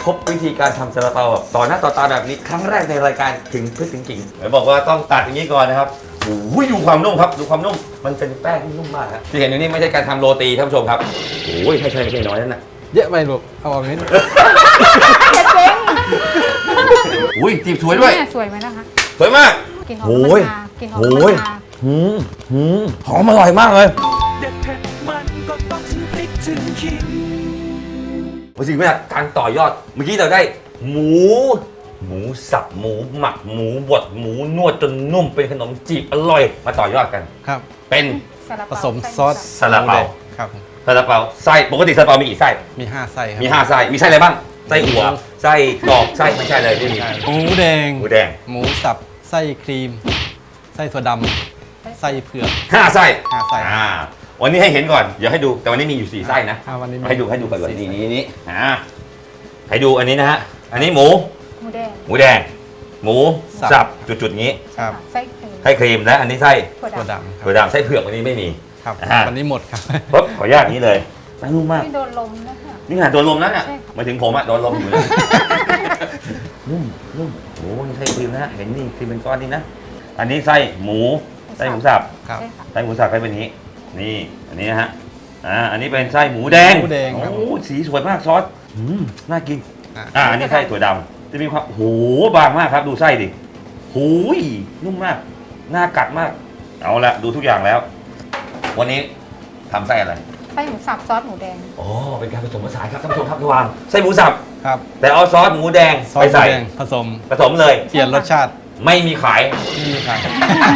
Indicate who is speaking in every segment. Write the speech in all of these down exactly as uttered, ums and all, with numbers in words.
Speaker 1: พบวิธีการทำซาลาเปาแบบต่อหน้าต่อตาแบบนี้ครั้งแรกในรายการถึงพึ่งถึงกิ่งบอกว่าต้องตัดอย่างนี้ก่อนนะครับโอ้ยดูความนุ่มครับดูความนุ่มมันเป็นแป้งที่นุ่มมากครับที่เห็นอยู่นี่ไม่ใช่การทำโรตีท่านผู้ชมครับโอ้ยไม่ใช่ไม่ใช่น้อยนั่นนะ
Speaker 2: เยอะไปลูกเอาออกนิด
Speaker 3: เจ๊ง
Speaker 1: อุ้ยจีบสวยด้วย
Speaker 3: สวยไหมนะคะ
Speaker 1: สวยมาก
Speaker 3: กลิ่นหอมมากกลิ่นหอมมาก
Speaker 1: หืมหืมหอมอร่อยมากเลย
Speaker 4: เด็ดเผ็ดมันก็ต้องถึงพริกถึงขิง
Speaker 1: วันสิ่งแรกการต่อยอดเมื่อกี้เราได้หมูหมูสับหมูหมักหมูบดหมูนวดจนนุ่มเป็นขนมจีบอร่อยมาต่อยอดกัน
Speaker 2: ครับ
Speaker 1: เป็น
Speaker 2: ผสมซอส
Speaker 1: ซาลาเปา
Speaker 2: ครับ
Speaker 1: ซาลาเปาไส้ปกติซาลาเปามีกี่ไส้
Speaker 2: มีห้าไส้ครับ
Speaker 1: มีห้าไส้มีไส้อะไรบ้างไส้อั่วไส้กรอกไส้ไม่ใช่เลยไม่มี
Speaker 2: หมูแดง
Speaker 1: หมูแดง
Speaker 2: หมูสับไส้ครีมไส้ถั่วดำไส้เผือก
Speaker 1: ห้าไส้
Speaker 2: ห้าไส้
Speaker 1: อ่าวันนี้ให้เห็นก่อนเดี๋ยวให้ดูแต่วันนี้มีอยู่สี่ไส้นะ
Speaker 2: วันนี้
Speaker 1: ให้ดูให้ดูก่อนนี่นี่นี่อ่าให้ดูอันนี้นะฮะอันนี้หมู
Speaker 3: หมูแดง
Speaker 1: หมูแดงหมูสับจุดๆงี้
Speaker 2: ครับ
Speaker 3: ไส้ครีม
Speaker 1: ไส้ครีมและอันนี้ไส้
Speaker 2: ถั่วดำ
Speaker 1: ถั่วดำไส้เผือกวันนี้ไม่มี
Speaker 2: ครับวันนี้หมดครับ
Speaker 1: ปุ๊บขออนุญาตนี้เลยไม่นุ่มมาก
Speaker 3: ไม่โดนลมนะคะ
Speaker 1: นี่ไงโดนลมแล้วเนี่ยมาถึงผมอะโดนลมอยู่เลยนุ่มนุ่มโอ้ยไส้ครีมนะเห็นนี่ครีมเป็นก้อนนี่นะอันนี้ไส้หมูไส้หมูสับไส้หมูสับไส้เป็นนี้นี่อันนี้นะฮะอ่าอันนี้เป็นไส้หมูแดง
Speaker 2: หมูแดง
Speaker 1: โอ้สีสวยมากซอสอืมน่ากินอ่าอันนี้ไส้ถั่วดำจะมีความโหบางมากครับดูไส้ดิหูยนุ่มมากน่ากัดมากเอาละดูทุกอย่างแล้ววันนี้ทำไส้อะไร
Speaker 3: ไส้หมูสับซอสหมูแดง
Speaker 1: อ๋อเป็นการผสมผสานครับท่านผู้ชมครับระหว่างไส้หมูสับ
Speaker 2: ครับ
Speaker 1: แต่เอาซอสหมูแดงไปใส่
Speaker 2: ผสม
Speaker 1: ผสมเลย
Speaker 2: เปลี่ยนรสชาติ
Speaker 1: ไม่มีขาย
Speaker 2: ไม่มีขาย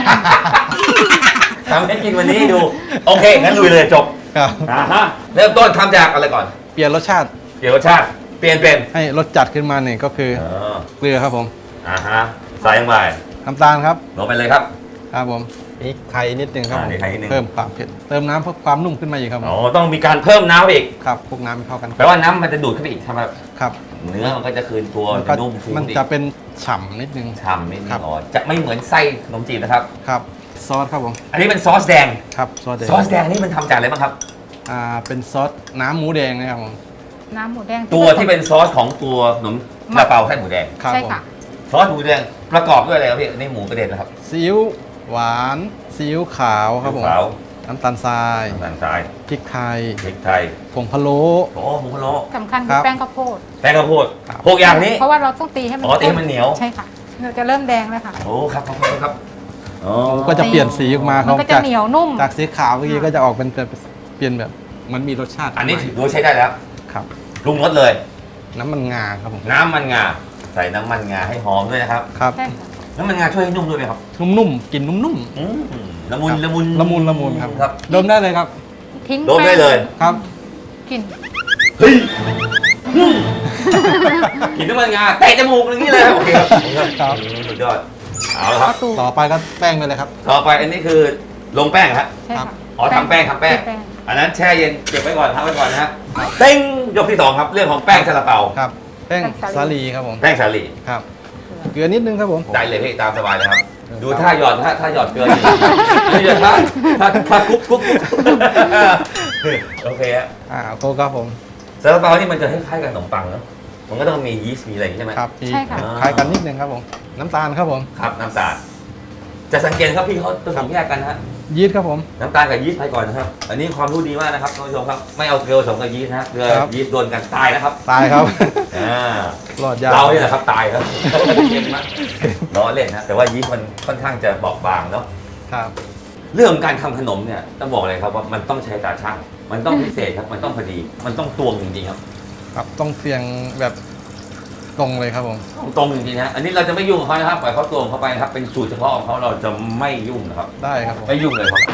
Speaker 1: ทำให้กินวันนี้ดูโอเคงั้นลุยเลยจบ
Speaker 2: ครับ
Speaker 1: อ่าฮะเริ่มต้นทำจากอะไรก่อน
Speaker 2: เปลี่ยนรสชาติ
Speaker 1: เปลี่ยนรสชาติเปลี่ยนเป็น
Speaker 2: ให้รสจัดขึ้นมาเนี่ยก็คือเกลือครับผม
Speaker 1: อ่าฮะใส่ลงไป
Speaker 2: น้ำตาลครับ
Speaker 1: ลงไปเลยครับ
Speaker 2: ครับผมนี่ไข่นิดนึงครับ
Speaker 1: เ
Speaker 2: พิ่มความเผ็ดเติมน้ำเพื่อความนุ่มขึ้นมาอีกครับ
Speaker 1: อ๋อต้องมีการเพิ่มน้ำอีก
Speaker 2: ครับพวกน้ำให้เข้ากัน
Speaker 1: แปลว่าน้ำมันจะดูดขึ้นไปอีกใช่ไหม
Speaker 2: ครับ
Speaker 1: เนื้อมันก็จะคืนตัวนุ่ม
Speaker 2: มันจะเป็นฉ่ำนิดนึง
Speaker 1: ฉ่ำนิดนึงอ๋อจะไม่เหมือนไส้ขนมจีบนะครับ
Speaker 2: ครับซอสครับผม
Speaker 1: อันนี้เป็นซอสแดง
Speaker 2: ครับซอสแดง
Speaker 1: ซอสแดงนี่มันทำจากอะไรบ้างครับ
Speaker 2: อ่าเป็นซอสน้ำหมูแดงนะครับผม
Speaker 3: น้ำหมูแดง
Speaker 1: ตัวที่เป็นซอสของตัวขนมซาลาเปาไส้หมูแดง
Speaker 3: ใช่ค่ะ
Speaker 1: ซอสหมูแดงประกอบด้วยอะไรครับพี่นี่หมูกระเด็นนะครับ
Speaker 2: ซีอิ๊วหวานซีอิ๊วขาวครับผมน้ำตาลทราย
Speaker 1: น้ำตาลทราย
Speaker 2: พริกไทย
Speaker 1: พริกไทย
Speaker 2: ผงพะโล้
Speaker 1: โอ้ผงพะโล้
Speaker 3: สำคัญคือแป้งข้าวโพด
Speaker 1: แป้งข้าวโพดหกอย่างนี้
Speaker 3: เพราะว่าเราต้องตีให้มัน
Speaker 1: อ๋อตีให้มันเหนียว
Speaker 3: ใช่ค่ะเราจะเริ่มแดงเลยค่ะ
Speaker 1: โอ้ครับครับครับ
Speaker 2: อ๋อก็จะเปลี่ยนสีออกมา
Speaker 3: ครับมันก็จะเหนียวนุ่ม
Speaker 2: จากสีขาวเมื่อกี้ก็จะออกเป็นเปลี่ยนแบบมันมีรสชาติ
Speaker 1: อันนี้ถือว่าใช้ได้แล้ว
Speaker 2: ครับ
Speaker 1: ปรุงรสเลย
Speaker 2: น้ำมันงาครับผม
Speaker 1: น้ำมันงาใส่น้ำมันงาให้หอมด้วยนะครับ
Speaker 2: ครับ
Speaker 1: น้ำมันงาช่วยให้นุ่มด้วยไหมครับ
Speaker 2: นุ่มๆกลิ่นนุ่ม
Speaker 1: ๆละมุนละมุน
Speaker 2: ละมุนละมุนครับดมได้เลยครับ
Speaker 3: ทิ้ง
Speaker 1: ดมได้เลย
Speaker 2: ครับ
Speaker 3: กลิ่น
Speaker 1: เฮ้ยกลิ่นน้ำมันงาเตะจมูกอย่างนี้เลยโอเคครับสุดยอดเอาละครับ
Speaker 2: ต่อไปก็แป้งไปเลยครับ
Speaker 1: ต่อไปอันนี้คือลงแป้งครับอ๋อทำแป้งทำแป้งอันนั้นแช่เย็นเก็บไว้ก่อนทำไว้ก่อนนะฮะเต้งยกที่สองครับเรื่องของแป้งซาลาเปา
Speaker 2: ครับแป้งสาลีครับผม
Speaker 1: แป้งสาลี
Speaker 2: ครับเกลือนิดนึงครับผม
Speaker 1: ได้เลยพี่ตามสบายเลยครับดูท่าหยอดท่าท่าหยอดเกลือนี่หยอดท่าท่าท่ากุ๊กกุ๊กโอเคฮะ
Speaker 2: อ่าโกครับผม
Speaker 1: ซาลาเปานี่มันจะคล้ายๆกับขนมปังเนาะมันก็ต้องมียีสต์มีอะไรใช่ไหม
Speaker 2: ครับใช่ค่ะคล้ายกันนิดนึงครับผมน้ำตาลครับผม
Speaker 1: ครับน้ำตาลจะสังเกตครับพี่เขาผสมแยกกันฮะ
Speaker 2: ยีสต์ครับผม
Speaker 1: น้ำตาลกับยีสต์ไปก่อนนะครับอันนี้ความรู้ดีมากนะครับท่านผู้ชมครับไม่เอาเกลือผสมกับยีสต์นะเกลือยีสต์โดนกันตายนะครับ
Speaker 2: ตายครับ
Speaker 1: อ่าร
Speaker 2: อดยาว
Speaker 1: เราเนี่ยแหละครับตายครับเก่งมากล้อเล่นนะแต่ว่ายีสต์มันค่อนข้างจะบอบบางเนาะ
Speaker 2: ครับ
Speaker 1: เรื่องการทำขนมเนี่ยต้องบอกเลยครับว่ามันต้องใช้ตาช่างมันต้องพิเศษครับมันต้องพอดีมันต้องตวงจริงๆครับ
Speaker 2: ครับต้องเสียงแบบตรงเลยครับผม
Speaker 1: ตรงจริงๆนะอันนี้เราจะไม่ยุ่งกับเขานะครับปล่อยเขาตวงเข้าไปนะครับเป็นสูตรเฉพาะของเขาเราจะไม่ยุ่งนะครับ
Speaker 2: ได้ครับ
Speaker 1: ไม่ยุ่งเลยครับ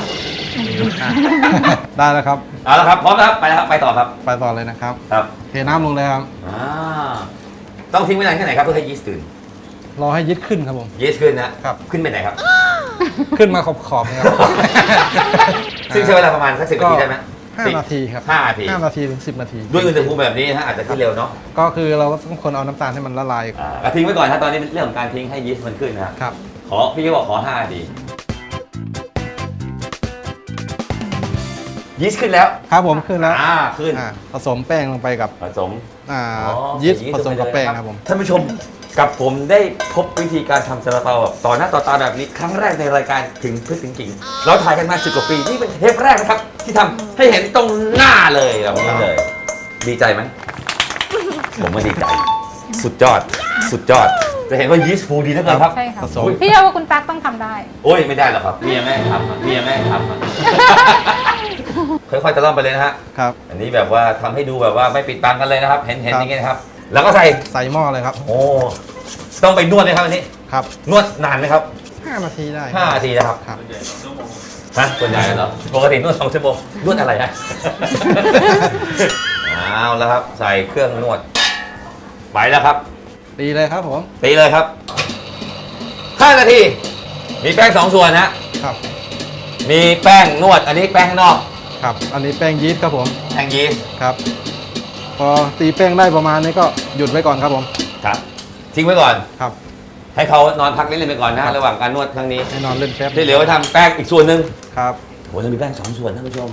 Speaker 2: ได้แล้วครับ
Speaker 1: เอาละครับพร้อมแล้วไปแล้วครับไปต่อครับ
Speaker 2: ไปต่อเลยนะครับ
Speaker 1: ครับ
Speaker 2: เทน้ำลงเลยครับ
Speaker 1: อ่าต้องทิ้งไว้นานแค่ไหนครับเพื่อให้ยีสต์ตื่น
Speaker 2: รอให้ยีสต์ขึ้นครับผม
Speaker 1: ยีสต์ขึ้นนะครับขึ้นไปไหนครับ
Speaker 2: ขึ้นมาขอบขอบครับ
Speaker 1: ซึ่งใช้เวลาประมาณสักสิบนาทีได้ไหม
Speaker 2: ห้านาทีครับ
Speaker 1: ห้านาที
Speaker 2: ห้านาทีถึงสิบนาที
Speaker 1: ด้วยอุณหภูมิแบบนี้ฮะอาจจะขึ้นเร็วเนาะ
Speaker 2: ก็คือเราต้องคนเอาน้ำตาลให้มันละลาย
Speaker 1: อ่าทิ้งไว้ก่อนนะตอนนี้เรื่องของการทิ้งให้ยีสต์มันขึ้นนะครับขอพี่ก็บอกขอห้านาทียีสต์ขึ้นแล้ว
Speaker 2: ครับผมขึ้นแล้ว
Speaker 1: อ่าขึ้น
Speaker 2: อ่าผสมแป้งลงไปกับ
Speaker 1: ผสม
Speaker 2: อ่า
Speaker 1: อ๋อ
Speaker 2: ยีสต์
Speaker 1: ยีสต์
Speaker 2: ผสมกับ
Speaker 1: ลงไปเลย
Speaker 2: แป้ง
Speaker 1: นะครับ
Speaker 2: ครับผม
Speaker 1: ท่านผู้ชมกับผมได้พบวิธีการทำซาลาเปาแบบต่อหน้าต่อตาแบบนี้ครั้งแรกในรายการถึงพฤษถึงกิ่งเราถ่ายกันมาสิบกว่าปีนี่เป็นเทปแรกนะครับ ที่ทำให้เห็นตรงหน้าเลยแบบนี้เลย ดีใจไหม ผมก็ดีใจ สุดยอด สุดยอด จะเห็นว่ายีสต์ฟูดีเหลือเกินครับ
Speaker 3: ใช่ค่ะ
Speaker 2: ผสม
Speaker 3: พี่เชื่อว่าคุณตั๊กต้องทำได้
Speaker 1: โอ้ยไม่ได้หรอกครับเมียแม่ให้ทำอะเมียแม่ให้ทำอะค่อยๆตะล่อมไปเลยนะฮะ
Speaker 2: ครับ
Speaker 1: อันนี้แบบว่าทำให้ดูแบบว่าไม่ปิดบังกันเลยนะครับ เห็นเห็น
Speaker 2: ครับ
Speaker 1: อย่างงี้นะครับ แล้วก็ใส่
Speaker 2: ใส่หม้อเลยครับ
Speaker 1: โอ้ต้องไปนวดไหมครับอันนี้
Speaker 2: ครับ
Speaker 1: นวดนานไหมครับ
Speaker 2: ห้านาทีได้
Speaker 1: ห้านาทีนะครับ
Speaker 2: ครับ
Speaker 1: ฮะส่วนใหญ่เหรอปกตินวดสองชั่วโมงนวดอะไรฮะ เอาแล้วครับ ใส่เครื่องนวดไปแล้วครับ
Speaker 2: ดีเลยครับผม
Speaker 1: ตีเลยครับห้านาทีมีแป้งสองส่วนนะ
Speaker 2: ครับ
Speaker 1: มีแป้งนวด อันนี้แป้งข้างนอก
Speaker 2: ครับ อันนี้แป้งยีสต์ครับผม
Speaker 1: แป้งยีสต์
Speaker 2: ครับ พอตีแป้งได้ประมาณนี้ก็หยุดไว้ก่อนครับผม
Speaker 1: ครับทิ้งไว้ก่อน
Speaker 2: ครับ
Speaker 1: ให้เขานอนพักนิดนึงไปก่อนนะระหว่างการนวดครั้งนี้
Speaker 2: ให้นอนเล่นแป๊บ
Speaker 1: ที่เหลือไว้ทำแป้งอีกส่วนหนึ่ง
Speaker 2: ครับ
Speaker 1: โอ้ยเรามีแป้งสองส่วนท่านผู้ชม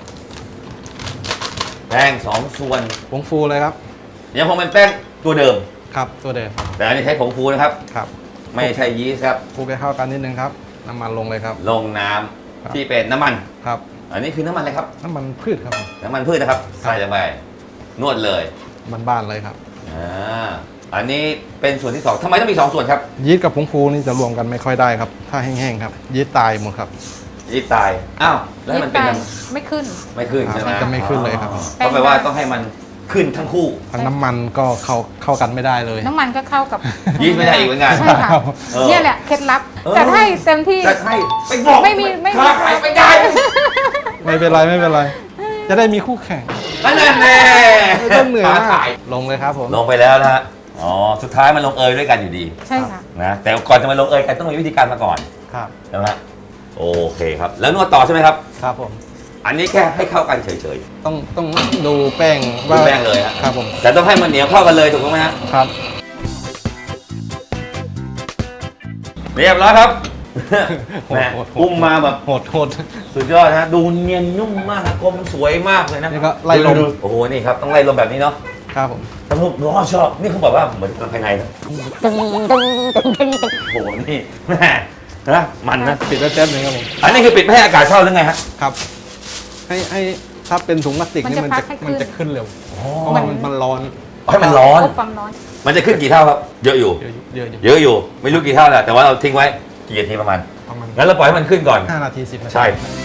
Speaker 1: แป้งสองส่วน
Speaker 2: ผงฟูเลยครับ
Speaker 1: ยังคงเป็นแป้งตัวเดิม
Speaker 2: ครับตัวเดิม
Speaker 1: แต่อันนี้ใช้ผงฟูนะครับ
Speaker 2: ครับ
Speaker 1: ไม่ใช่ยีสต์ครับ
Speaker 2: คลุกให้เข้ากันนิดนึงครับ น้ำมันลงเลยครับ
Speaker 1: ลงน้ำ
Speaker 2: ครับ
Speaker 1: ที่เป็นน้ำมัน
Speaker 2: ครับ
Speaker 1: อันนี้คือน้ำมันอะไรครับ
Speaker 2: น้ำมันพืชครับผม
Speaker 1: น้ำมันพืชนะครับ ใส่ลงไปนวดเลย
Speaker 2: บ้านๆเลยครับ
Speaker 1: อ่าอันนี้เป็นส่วนที่สองทำไมต้องมีสองส่วนครับ
Speaker 2: ยีสต์กับผงฟูนี่จะรวมกันไม่ค่อยได้ครับ ถ้าแห้งๆครับ ยีสต์ตายหมดครับ
Speaker 1: ยีสต์ตาย อ้าว แล้วให้มันเป็นยังไง
Speaker 3: ไม่ขึ้น
Speaker 1: ไม่ขึ้นใช่ไหม
Speaker 2: จะไม่ขึ้นเลยครับ
Speaker 1: อ๋อก็แปลว่าต้องให้มันขึ้นทั้งคู่
Speaker 2: ทั้งน้ำมันก็เข้าเข้ากันไม่ได้เลย
Speaker 3: น้ำมันก็เข้ากับ
Speaker 1: ยีสต์ไม่ได้อีกเหมือนกัน
Speaker 3: ใช่ค่ะ
Speaker 1: เออ
Speaker 3: เนี่ยแหละเคล็ดลับ
Speaker 1: เออ
Speaker 3: แต่ให้เต็มที่
Speaker 1: จะให้ไปบอก
Speaker 3: ไม่มีไม่มี
Speaker 1: ค้าขายไม่ได้
Speaker 2: ไม่เป็นไรไม่เป็นไร จะได้มีคู่แข่ง
Speaker 1: นั่นแน่
Speaker 2: ไม่ต้องเหนื่อย
Speaker 1: ค้าม
Speaker 2: าก
Speaker 1: ขาย
Speaker 2: ลงเลยครับผม
Speaker 1: ลงไปแล้วนะฮะ อ๋อ สุดท้ายมันลงเอยด้วยกันอยู่ดี
Speaker 3: ใช่ค่ะ
Speaker 1: นะ แต่ก่อนจะมาลงเอยกันต้องมีวิธีการมาก่อน
Speaker 2: ครับ
Speaker 1: ใช่ไหมฮะโอเคครับ แล้วนวดต่อใช่ไหมครับ
Speaker 2: ครับผม
Speaker 1: อันนี้แค่ให้เข้ากันเฉย
Speaker 2: ต้องต้องดูแป้ง
Speaker 1: ๆ
Speaker 2: ว่า
Speaker 1: ดูแป้งเลยฮะ
Speaker 2: ครับผม
Speaker 1: แต่ต้องให้มันเหนียวเข้ากันเลยถูกต้องไหมฮะ
Speaker 2: ครับ
Speaker 1: เรียบร้อยครับ
Speaker 2: โหด
Speaker 1: แหม
Speaker 2: โหดโหด
Speaker 1: อุ้มมาแบบ
Speaker 2: โหดโหด
Speaker 1: สุดยอดนะฮะ ดูเนียนนุ่มมากนะกลมสวยมากเลยนะ
Speaker 2: นี่ก็ไล่ลม
Speaker 1: ดูๆโอ้โห นี่ครับ ต้องไล่ลมแบบนี้เนาะ
Speaker 2: ครับผม
Speaker 1: ท่านผู้ชมชอบ นี่เขาบอกว่าเหมือนภายในนะโอ้โห นี่แม่นะมันนะ
Speaker 2: ปิดไว้แป๊บหนึงครับผม
Speaker 1: อันนี้คือปิดไม่ให้อากาศเข้าหรือไงฮะ
Speaker 2: ครับ ให้ให้ถ้าเป็นถุงพลาสติกนี่
Speaker 3: มั
Speaker 2: มัน
Speaker 3: น
Speaker 2: จะ
Speaker 3: จะพักให้
Speaker 2: มันจะ
Speaker 3: ขึ้น
Speaker 2: ขึ้นเร็ว
Speaker 1: อ๋อ
Speaker 2: เพราะว่ามันมันร้อน
Speaker 1: ให้มันร้อน
Speaker 3: อบความร้อน
Speaker 1: มันจะขึ้นกี่เท่าครับ เยอะอยู่
Speaker 2: เยอะอยู่เยอะอยู่
Speaker 1: เยอะอยู่ ไม่รู้กี่เท่าแหละแต่ว่าเราทิ้งไว้กี่นาทีประมาณ
Speaker 2: ประมาณ
Speaker 1: งั้นเราปล่อยให้มันขึ้นก่อน
Speaker 2: ห้านาทีสิบนาที
Speaker 1: ใช่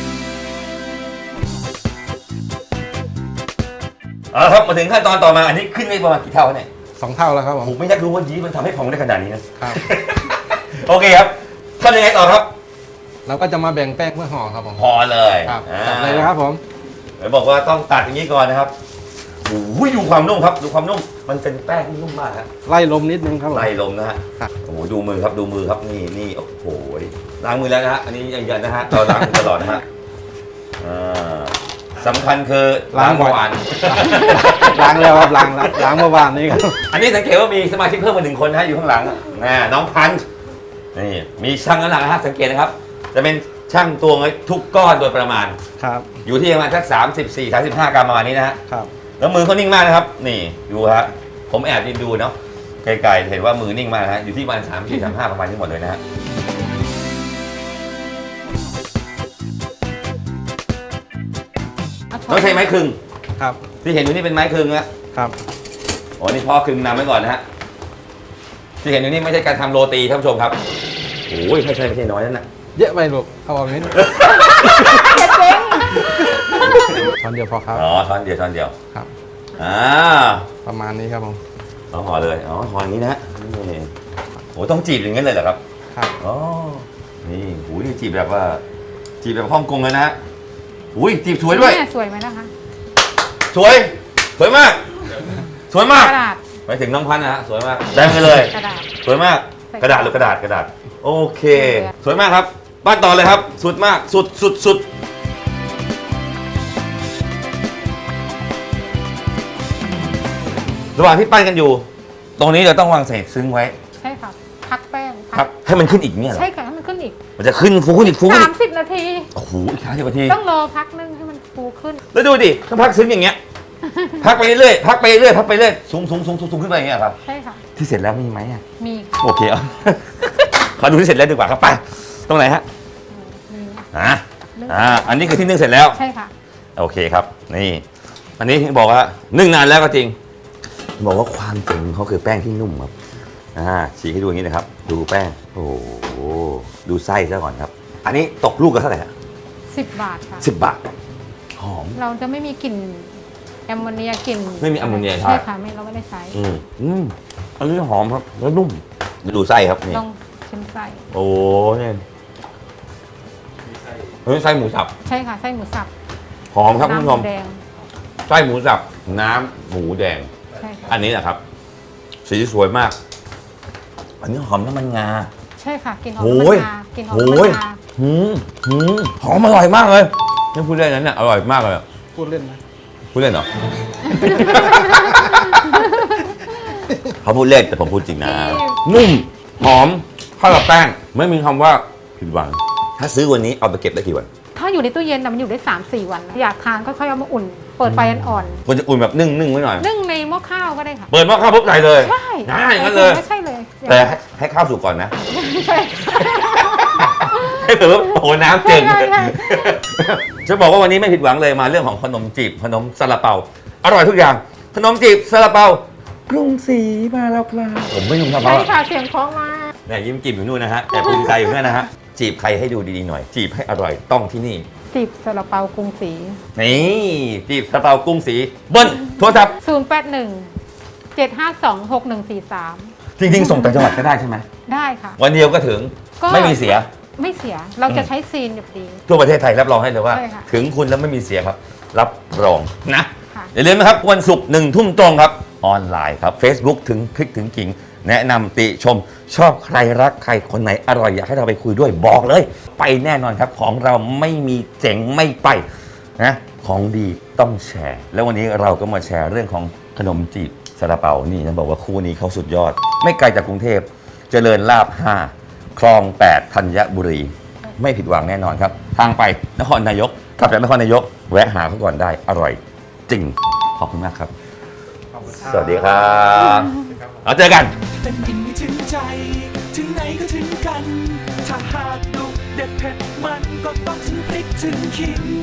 Speaker 1: เอาละครับมาถึงขั้นตอนต่อมา อันนี้ขึ้นได้ประมาณกี่เท่าเนี่ย
Speaker 2: สองเท่าแล้วครับผม
Speaker 1: ผมไม่อยากรู้ว่ายีสต์มันทำให้พองได้ขนาดนี้นะ
Speaker 2: ครับ
Speaker 1: โอเคครับทำยังไงต่อครับ
Speaker 2: เราก็จะมาแบ่งแป้งเพื่อห่อครับผม
Speaker 1: พอเลย
Speaker 2: ครับ
Speaker 1: อ่า
Speaker 2: จัดเลยนะครับผม
Speaker 1: เดี๋ยวบอกว่าต้องตัดอย่างนี้ก่อนนะครับโอ้ยดูความนุ่มครับ ดูความนุ่ม มันเป็นแป้งที่นุ่มมากครับ
Speaker 2: ไล่ลมนิดนึงครับผม
Speaker 1: ไล่ลมนะฮะ
Speaker 2: ครับ
Speaker 1: โอ้โหดูมือครับดูมือครับนี่นี่โอ้โหล้างมือแล้วนะฮะอันนี้ยังยันนะฮะเราล้างมือตลอดนะฮะอ่าสำคัญคือล้างเมื่อวาน
Speaker 2: ล้างแล้วครับล้างแล้วล้างเมื่อวานนี้ครับ
Speaker 1: อันนี้สังเกตว่ามีสมาชิกเพิ่มมาหนึ่งคนนะฮะอยู่ข้างหลังนะน้องพันธ์นี่มีช่างน้ำหนักนะฮะสังเกตนะครับ จะเป็นช่างตวงไว้ทุกก้อนโดยประมาณ
Speaker 2: ครับ
Speaker 1: อยู่ที่ประมาณสักสามสิบสี่ สามสิบห้ากรัมประมาณนี้นะฮะ
Speaker 2: ครับ
Speaker 1: แล้วมือเขานิ่งมากนะครับ นี่ดูฮะผมแอบยืนดูเนาะไกลๆเห็นว่ามือนิ่งมากนะฮะอยู่ที่ประมาณสามสี่สามห้าประมาณนี้หมดเลยนะฮะต้องใช้ไม้ครึง
Speaker 2: ครับ
Speaker 1: ที่เห็นอยู่นี่เป็นไม้ครึงนะครับ อ๋อนี่พ่อครึงนำไว้ก่อนนะฮะที่เห็นอยู่นี่ไม่ใช่การทำโรตีท่านผู้ชมครับโอ้ยไม่ใช่ไม่ใช่น้อยนั่นน่ะ
Speaker 2: เยอะไปลูกเอาออกนิด
Speaker 3: อย่าเจ๊ง
Speaker 2: ช้อนเดียวพอครับ
Speaker 1: อ๋อช้อนเดียวช้อนเดียว
Speaker 2: ครับ
Speaker 1: อ่า
Speaker 2: ประมาณนี้ครับผม
Speaker 1: เอาห่อเลยอ๋อห่ออย่างนี้นะนี่โอ้ต้องจีบอย่างนั้นเลยเหรอครับ
Speaker 2: ครับ
Speaker 1: อ๋อนี่โอ้ยนี่จีบแบบว่า จีบแบบฮ่องกงเลยนะฮะอุ้ยจีบสวยด้วย
Speaker 3: แม่สวยไหมนะคะ
Speaker 1: สวย สวยมาก สวยมาก
Speaker 3: กระดาษ
Speaker 1: ไปถึงน้องพันธ์นะฮะ สวยมากแดงไปเลย
Speaker 3: กระดาษ
Speaker 1: สวยมาก กระดาษหรือกระดาษ กระดาษ โอเค สวยมากครับ บ้านต่อเลยครับ สุดมาก สุดสุดสุดระหว่างที่ปั้นกันอยู่ ตรงนี้เราต้องวางเศษซึ้งไว้
Speaker 3: ใช่ค่ะ พักแป้ง
Speaker 1: ครับ ให้มันขึ้นอีกเนี่ยเหรอ
Speaker 3: ใช่ค่ะให้มันขึ้นอีก
Speaker 1: มันจะขึ้นฟูขึ้นอีกฟูขึ้นอี
Speaker 3: สาก มสิบนาที
Speaker 1: โอ้โหอีกสามสิบนาที
Speaker 3: ต้องรอพักนึงให้มันฟูฟูขึ้น
Speaker 1: แล้วดูดิต้องพักซึ้งอย่างเงี้ย พักไปเรื่อยพักไปเรื่อยพักไปเรื่อยสูงสูงสูงสูงขึ้นไปอย่างเงี้ยครับ
Speaker 3: ใช่ค่ะ
Speaker 1: ที่เสร็จแล้วมีไหมอ่ะ
Speaker 3: มี
Speaker 1: โอเคเอา ขอดูที่เสร็จแล้วดีกว่าครับไปตรงไหนฮะ
Speaker 3: มี
Speaker 1: อ่าอ่าอันนี้คือที่นึ่งเสร็จแล้ว
Speaker 3: ใช่ค่ะ
Speaker 1: โอเคครับนี่อันนี้บอกว่านึ่งนานแล้วก็จริง บอกว่าความเจ๋งของเขาคือแป้งที่นุ่มครับอ่าฉีกให้ดูอย่างนี้นะครับ ดูแป้งโอ้โหดูไส้ซะก่อนครับ อันนี้ตกลูกกันเท่าไหร่ฮะ
Speaker 3: สิบบาทค่ะ
Speaker 1: สิบบาทหอม
Speaker 3: เราจะไม่มีกลิ่นแอมโมเนียกลิ่น
Speaker 1: ไม่มีแอมโมเนียใช่
Speaker 3: ใช่ค่ะไม่เราไม่ได้ใช้
Speaker 1: อืมอืมอันนี้หอมครับแล้วนุ่มดูไส้ครับนี่
Speaker 3: ต้องชิมไส้
Speaker 1: โอ้เนี่ยเฮ้ยไส้หมูสับ
Speaker 3: ใช่ค่ะไส้หมูสับ
Speaker 1: หอมครับคุณผู้ช
Speaker 3: น้ำห
Speaker 1: ม
Speaker 3: มูแดง
Speaker 1: ไส้หมูสับน้ำหมูแดง
Speaker 3: ใช่ค่ะ
Speaker 1: อันนี้แหละครับ สีสวยมาก อันนี้หอมน้ำมันงา
Speaker 3: ใช่ค่ะกลิ่นหอม
Speaker 1: โอ้
Speaker 3: น้ำมั
Speaker 1: ย
Speaker 3: นงากลิ่นหอม
Speaker 1: โอ้
Speaker 3: น้ำมั
Speaker 1: ย
Speaker 3: นงา
Speaker 1: หืมหืมหอมอร่อยมากเลยนี่พูดเล่นนั้นเนี่ยอร่อยมากเลย
Speaker 2: พูดเล่นนะ
Speaker 1: พูดเล่นเหรอ เขาพูดเล่นแต่ผมพูดจริงนะ นุ่มหอมเข้ากับแป้งไม่มีคำว่าผิดหวัง ถ้าซื้อวันนี้เอาไปเก็บได้กี่วัน
Speaker 3: ถ้าอยู่ในตู้เย็นน่ะมันอยู่ได้ สามสี่ วันนะอยากทานก็ค่อยเอามาอุ่น เปิดไฟอ่อน
Speaker 1: ควรจะอุ่นแบบนึ่งนึ่งไว้หน่อย
Speaker 3: ๆนึ่งในหม้อข้าวก็ได้ค่ะ
Speaker 1: เปิดหม้อข้าวปุ๊บใส่เลย
Speaker 3: ใช่
Speaker 1: ได้งั้นเลย
Speaker 3: ไม่ใช่เลย
Speaker 1: แต่ให้ให้ข้าวสุกก่อนนะ
Speaker 3: ใช่
Speaker 1: ให้ถือว่าโอ้โหน้ำเจิง
Speaker 3: ใช่ใช่
Speaker 1: จะบอกว่าวันนี้ไม่ผิดหวังเลยมาเรื่องของขนมจีบขนมซาลาเปาอร่อยทุกอย่าง ขนมจีบซาลาเปากรุงศรีมาแล้วครับผมไม่ยุ่งซาลา
Speaker 3: ใช่
Speaker 1: เปา
Speaker 3: ค่ะเสียงคล้องมา
Speaker 1: เนี่ยยิ้มจีบอยู่นู่นนะฮะแต่ภูมิใจอยู่นั่นนะฮะจีบใครให้ดูดีๆหน่อย จีบให้อร่อยต้องที่นี่
Speaker 3: จีบซาลาเปากรุงศรี
Speaker 1: นี่จีบซาลาเปากรุงศรีเบิ้ลโทรศัพท์
Speaker 3: ศูนย์แปดหนึ่งเจ็ดห้าสองหกหนึ่งสี่สาม
Speaker 1: จริงๆ ส่งต่างจังหวัดก็ได้ใช่ไหม
Speaker 3: ได้ค่ะ
Speaker 1: วันเดียวก็ถึง
Speaker 3: ก็
Speaker 1: ไม่มีเสีย
Speaker 3: ไม่เสียเราจะใช้ซีนแบบดี
Speaker 1: ทั่วประเทศไทยรับรองให้เลยว่า
Speaker 3: ใช่ค่ะ
Speaker 1: ถึงคุณแล้วไม่มีเสียครับ รับรองนะ
Speaker 3: ค่ะ
Speaker 1: อย่าลืมนะครับวันศุกร์หนึ่งทุ่มตรงครับ ออนไลน์ครับ Facebook ถึงคลิกถึงกิ่ง แนะนำติชม ชอบใครรักใครคนไหนอร่อยอยากให้เราไปคุยด้วยบอกเลย ไปแน่นอนครับของเราไม่มีเจ๋งไม่ไปนะของดีต้องแชร์ แล้ววันนี้เราก็มาแชร์เรื่องของขนมจีบซาลาเปานี่นะบอกว่าคู่นี้เขาสุดยอด ไม่ไกลจากกรุงเทพเจริญลาบห้าคลองแปดธัญบุรี ไม่ผิดหวังแน่นอนครับ ทางไปนครนายกกลับจากนครนายก แวะหาเขาก่อนได้อร่อยจริง ขอบคุณมากครับ สวัสดีครับเราเจอกัน
Speaker 4: เป็นอิ่มถึงใจ ถึงไหนก็ถึงกัน ถ้าหากดุเด็ดเผ็ดมันก็ต้องถึงพริกถึงขิง